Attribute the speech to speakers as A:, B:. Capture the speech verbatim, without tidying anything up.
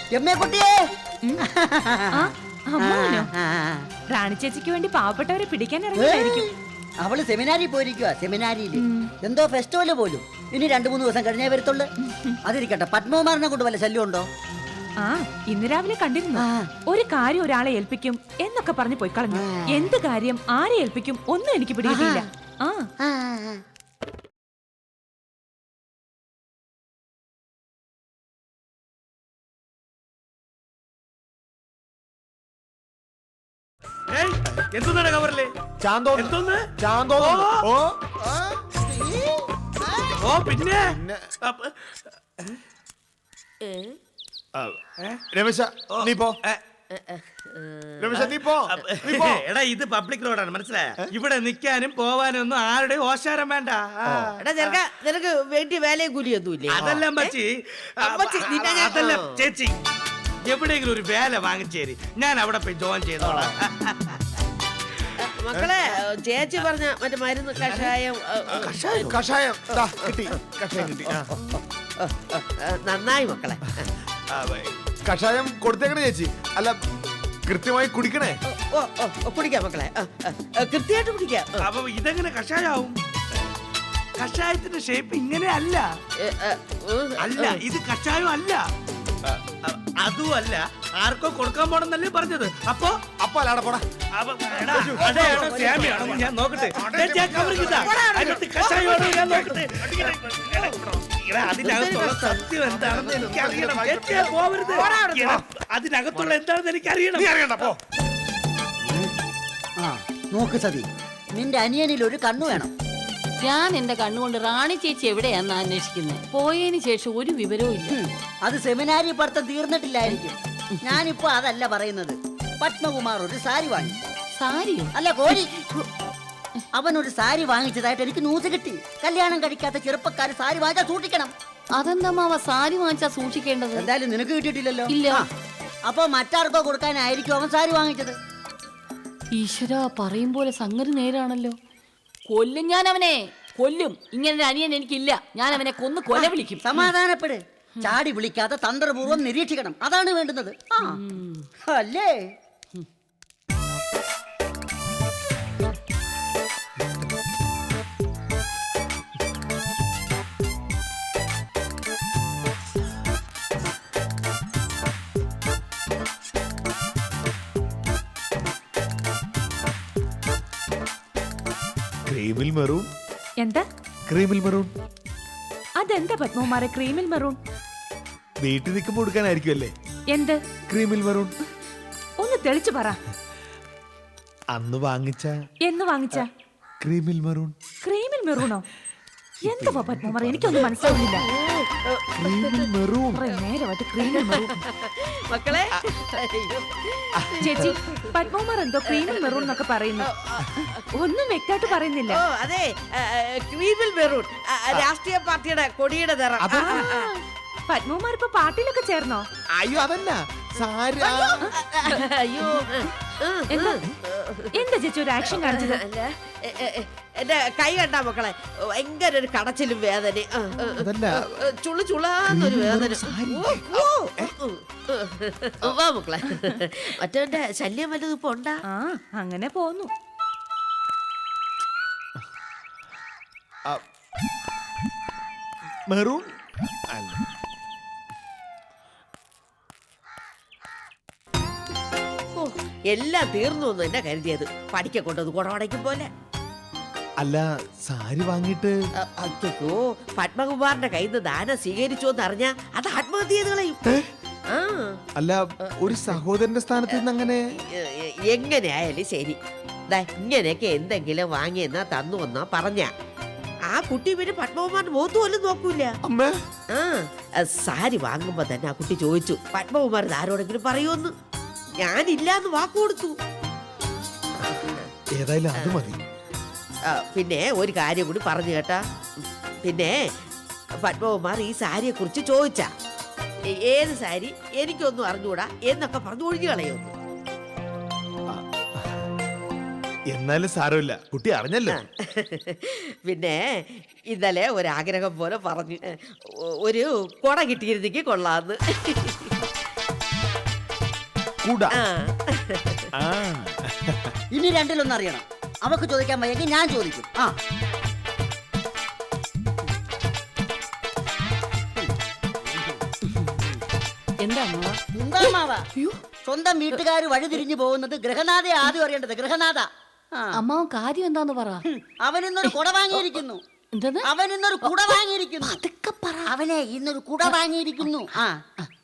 A: എമ്മേക്കുട്ടിയെ
B: റാണി ചേച്ചിക്ക് വേണ്ടി പാവപ്പെട്ടവരെ പിടിക്കാൻ ഇറങ്ങിയായിരിക്കും.
A: അവള് സെമിനാരിൽ പോയിരിക്കുക. സെമിനാരിയിൽ എന്തോ ഫെസ്റ്റിവല് പോലും. ഇനി രണ്ടു മൂന്ന് ദിവസം കഴിഞ്ഞേ വരത്തുള്ളു. അതിരിക്കട്ടെ, പത്മകുമാറിനെ കൊണ്ട് വല്ല ശല്യം ഉണ്ടോ?
B: ആ ഇന്ന് രാവിലെ കണ്ടിരുന്നു. ഒരു കാര്യം ഒരാളെ ഏൽപ്പിക്കും എന്നൊക്കെ പറഞ്ഞു പോയി കളഞ്ഞു. എന്ത് കാര്യം ആരെ ഏൽപ്പിക്കും ഒന്നും എനിക്ക് പിടികിട്ടിയില്ല. ആ
C: എന്താണ് കവറില്? എന്തോന്ന്? ഓ ഓ പിന്നെ
D: രമേശ നീ പോ. രമേശ നീ പോ.
C: എടാ ഇത് പബ്ലിക് റോഡാണ്, മനസ്സിലായ? ഇവിടെ നിക്കാനും പോവാനും ഒന്നും ആരുടെയും ഓശാരം വേണ്ട.
E: നിനക്ക് വേണ്ടി വേലയും കൂലിയൊന്നുമില്ലേ?
C: അതെല്ലാം പറ്റി അതെല്ലാം ചേച്ചി എവിടെയെങ്കിലും ഒരു വേല വാങ്ങിച്ചേരി, ഞാൻ അവിടെ പോയി ജോയിൻ ചെയ്തോളാം.
E: മക്കളെ, ചേച്ചി പറഞ്ഞ മറ്റേ മരുന്ന് കഷായം
D: കഷായം കിട്ടി. കഷായം കിട്ടി.
E: നന്നായി മക്കളെ.
D: കഷായം കൊടുത്തേക്കണേ ചേച്ചി. അല്ല കൃത്യമായി കുടിക്കണേ.
E: ഓ ഓ കുടിക്കാം മക്കളെ, കൃത്യമായിട്ട് കുടിക്കാം.
C: അപ്പൊ ഇതെങ്ങനെ കഷായാവും? കഷായത്തിന്റെ ഷേപ്പ് ഇങ്ങനെ അല്ല. അല്ല ഇത് കഷായം അല്ല, അതും അല്ല. ആർക്കോ കൊടുക്കാൻ പോണെന്നല്ലേ പറഞ്ഞത്. അപ്പൊ
D: അപ്പൊ അല്ലാടെ പോടാ.
C: ഞാൻ നോക്കട്ടെ. കഷായം ഞാൻ നോക്കട്ടെ. അതിനകത്തുള്ള സത്യം എന്താണെന്ന് എനിക്കറിയണം. പോവരുത്. അതിനകത്തുള്ള എന്താണെന്ന് എനിക്കറിയണം.
A: നോക്ക് സതി, നിന്റെ അനിയനിൽ ഒരു കണ്ണു വേണം.
F: ഞാൻ എന്റെ കണ്ണുകൊണ്ട് റാണി ചേച്ചി എവിടെയാന്ന് അന്വേഷിക്കുന്നത്. പോയതിനു ശേഷം ഒരു വിവരവും ഇല്ല.
A: അത് സെമിനാരി പഠിത്തം തീർന്നിട്ടില്ലായിരിക്കും. ഞാനിപ്പോ അതല്ല പറയുന്നത്. പത്മകുമാർ ഒരു സാരി വാങ്ങി.
F: സാരിയോ?
A: അല്ല കോഴി. അവൻ ഒരു സാരി വാങ്ങിച്ചതായിട്ട് എനിക്ക് ന്യൂസ് കിട്ടി. കല്യാണം കഴിക്കാത്ത ചെറുപ്പക്കാര് സാരി വാങ്ങിച്ചാൽ സൂക്ഷിക്കണം.
F: അതെന്താ മാവ സാരി വാങ്ങിച്ചാ സൂക്ഷിക്കേണ്ടത്?
A: എന്തായാലും നിനക്ക് കിട്ടിയിട്ടില്ലല്ലോ.
F: ഇല്ല.
A: അപ്പൊ മറ്റാർക്കോ കൊടുക്കാനായിരിക്കും അവൻ സാരി വാങ്ങിച്ചത്.
F: ഈശ്വര, പറയും പോലെ സംഗതി നേരാണല്ലോ. കൊല്ലും ഞാൻ അവനെ, കൊല്ലും. ഇങ്ങനെ അനിയൻ എനിക്കില്ല. ഞാൻ അവനെ കൊന്ന് കൊല വിളിക്കും.
A: സമാധാനപ്പെട്. ചാടി വിളിക്കാതെ തന്ത്രപൂർവ്വം നിരീക്ഷിക്കണം. അതാണ് വേണ്ടുന്നത്. അല്ലേ?
D: ക്രീമിൽ മെറൂൺ.
B: എന്താ
D: ക്രീമിൽ മെറൂൺ?
B: അതെന്താ പത്മകുമാരെ ക്രീമിൽ മെറൂൺ?
D: വീട്ടിൽ നിൽക്കുമ്പോൾ കൊടുക്കാനായിരിക്കും അല്ലേ?
B: എന്ത്
D: ക്രീമിൽ മെറൂൺ?
B: ഒന്ന് തെളിച്ചു പറ.
D: അന്ന് വാങ്ങിച്ച
B: എന്ന് വാങ്ങിച്ച
D: ക്രീമിൽ മെറൂൺ.
B: ക്രീമിൽ മെറൂണോ? എന്താ പത്മകുമാർ, എനിക്കൊന്നും മനസ്സിലാവുന്നില്ല. നേരമായിട്ട് ക്രീമിൽ മെറൂൺ.
E: മക്കളെ
B: ചേച്ചി, പത്മകുമാർ എന്തോ ക്രീമിൽ മെറൂൺ എന്നൊക്കെ പറയുന്നു. ഒന്നും വ്യക്തമായിട്ട് പറയുന്നില്ല.
E: ഓ അതെ, ക്രീമിൽ മെറൂൺ രാഷ്ട്രീയ പാർട്ടിയുടെ കൊടിയുടെ നിറം.
B: പത്മകുമാർ ഇപ്പൊ പാർട്ടിയിലൊക്കെ ചേർന്നോ?
D: അയ്യോ അതല്ല സാരി.
E: അയ്യോ
B: എന്താ എന്താ ചേച്ചി ഒരു ആക്ഷൻ കാണിച്ചത്?
E: എന്റെ കൈ കണ്ടാ മക്കളെ, ഭയങ്കര ഒരു കടച്ചിലും വേദന, ചുളു ചുളാന്നൊരു വേദന. വാ മക്കളെ, മറ്റവന്റെ ശല്യം വല്ലതും ഇപ്പൊ ഉണ്ടാ?
B: ആ അങ്ങനെ പോന്നു.
D: മെറൂൺ
E: എല്ലാം തീർന്നു എന്ന് തന്നെ കരുതിയത്. പഠിക്ക കൊണ്ടത് കുടവടയ്ക്കും പോലെ.
D: അല്ല സാരി വാങ്ങിട്ട്
E: അയ്യോ, പത്മകുമാറിന്റെ കയ്യിൽ നിന്ന് ദാനം സ്വീകരിച്ചു എന്ന് അറിഞ്ഞ അത് ആത്മഹത്യ ചെയ്ത് കളയും.
D: അല്ല ഒരു സഹോദരന്റെ സ്ഥാനത്ത് നിന്ന് അങ്ങനെ
E: എങ്ങനെയായാലും ശരി, ഇങ്ങനെയൊക്കെ എന്തെങ്കിലും വാങ്ങിയെന്നാ തന്നു വന്നാ പറഞ്ഞ ആ കുട്ടി പിന്നെ പത്മകുമാറിന്റെ മുഖത്ത് പോലും നോക്കൂല. ആ സാരി വാങ്ങുമ്പോ തന്നെ ആ കുട്ടി ചോദിച്ചു പത്മകുമാർ ആരോടെങ്കിലും പറയുമെന്ന്. ഞാനില്ലാന്ന് വാക്ക് കൊടുത്തു.
D: ഏതായാലും അത് മതി.
E: പിന്നെ ഒരു കാര്യം കൂടി പറഞ്ഞു കേട്ടാ. പിന്നെ പത്മകുമാർ ഈ സാരിയെ കുറിച്ച് ചോദിച്ചാ ഏത് സാരി എനിക്കൊന്നും അറിഞ്ഞൂടാ എന്നൊക്കെ പറഞ്ഞു ഒഴിഞ്ഞു കളയുന്നു.
D: എന്നാലും സാരമില്ല, കുട്ടി അറിഞ്ഞല്ലോ.
E: പിന്നെ ഇന്നലെ ഒരാഗ്രഹം പോലെ പറഞ്ഞു ഒരു കുട കിട്ടിയിരുന്നെങ്കിൽ കൊള്ളാന്ന്.
D: കുട
E: ആ.
D: ആ.
A: ഇനി രണ്ടിലൊന്നും അറിയണം. അവക്ക് ചോദിക്കാൻ വയ്യെങ്കിൽ ഞാൻ ചോദിക്കും. ആ
F: എന്താ അമ്മാവ?
A: എന്താ മാവാ? സ്വന്തം വീട്ടുകാർ വഴിതിരിഞ്ഞു പോകുന്നത് ഗ്രഹനാഥയെ ആദ്യം അറിയേണ്ടത്. ഗ്രഹനാഥ. ആ.
F: അമ്മാവൻ കാര്യം എന്താന്ന് പറ.
A: ഹും, അവൻ ഇന്നൊരു കുട വാങ്ങിയിരിക്കുന്നു.
F: എന്താ
A: അവൻ ഇന്നൊരു കുട വാങ്ങിയിരിക്കുന്നു.
F: അതൊക്കെ പറ.
A: അവനെ ഇന്നൊരു കുട വാങ്ങിയിരിക്കുന്നു. ആ